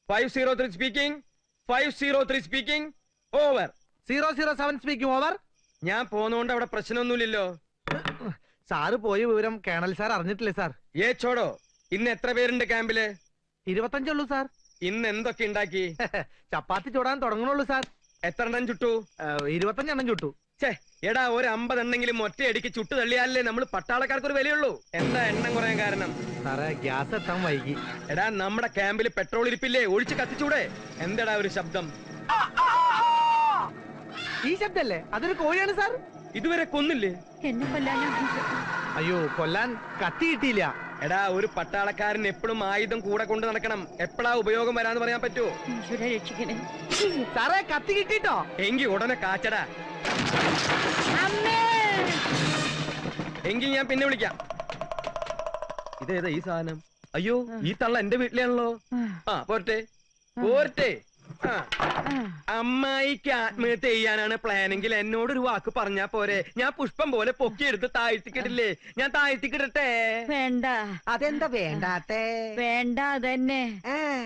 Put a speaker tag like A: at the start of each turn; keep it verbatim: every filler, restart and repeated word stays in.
A: Five zero three speaking. Five zero three speaking. Over.
B: Zero zero seven speaking. Over.
A: ഞാൻ പോന്നോണ്ട് അവിടെ പ്രശ്നമൊന്നുമില്ലല്ലോ.
B: Sir പോയ വിവരം കേണൽ സാർ അറിഞ്ഞിട്ടില്ലേ സാർ?
A: ഏ ചോടോ, ഇന്ന് എത്ര പേരുണ്ട് ക്യാമ്പില്?
B: ഇരുപത്തഞ്ചുള്ളൂ സാർ.
A: ഇന്ന് എന്തൊക്കെ ഉണ്ടാക്കി?
B: ചപ്പാത്തി ചൂടാൻ തുടങ്ങണുള്ളൂ സാർ.
A: എത്ര എണ്ണം ചുട്ടു?
B: ഇരുപത്തഞ്ചെണ്ണം ചുട്ടു.
A: ഛേ എടാ, ഒരു അമ്പതെണ്ണെങ്കിലും ഒറ്റയടിക്ക് ചുട്ടു തള്ളിയാലേ നമ്മൾ പട്ടാളക്കാർക്ക് ഒരു വിലയുള്ളൂ. എന്താ എണ്ണം കുറയാൻ കാരണം?
B: സാറേ, ഗ്യാസ് എത്താൻ വൈകി.
A: എടാ, നമ്മുടെ ക്യാമ്പിൽ പെട്രോൾ ഇരിപ്പില്ലേ? ഒഴിച്ച് കത്തിച്ചൂടെ? എന്താടാ ഒരു ശബ്ദം?
B: ഈ ശബ്ദല്ലേ? അതൊരു കോഴിയാണ് സാർ.
A: ഇതുവരെ കൊന്നില്ലേ?
C: എന്നെ കൊല്ലാനാ.
B: അയ്യോ, കൊല്ലാൻ കത്തി കിട്ടിയില്ല.
A: എടാ, ഒരു പട്ടാളക്കാരൻ എപ്പോഴും ആയുധം കൂടെ കൊണ്ട് നടക്കണം. എപ്പോഴാ ഉപയോഗം വരാന്ന് പറയാൻ പറ്റുമോ?
C: ഈശ്വരാ രക്ഷിക്കണേ.
B: സാറേ, കത്തി കിട്ടിട്ടോ?
A: എങ്കി ഉടനെ കാച്ചടാ.
C: അമ്മേ.
A: എങ്കിൽ ഞാൻ പിന്നെ വിളിക്കാം. ഇതേതാ ഈ സാധനം? അയ്യോ, ഈ തള്ള എന്റെ വീട്ടിലാണല്ലോ. ആ പോരട്ടെ പോരട്ടെ. ആ, അമ്മായിക്ക് ആത്മഹത്യ ചെയ്യാനാണ് പ്ലാനെങ്കിൽ എന്നോടൊരു വാക്ക് പറഞ്ഞാ പോരെ? ഞാൻ പുഷ്പം പോലെ പൊക്കിയെടുത്ത് താഴ്ത്തിക്കിടില്ലേ? ഞാൻ താഴ്ത്തിക്കിടട്ടെ?
C: വേണ്ട.
B: അതെന്താ വേണ്ടാത്തേ?
C: വേണ്ട അതന്നെ.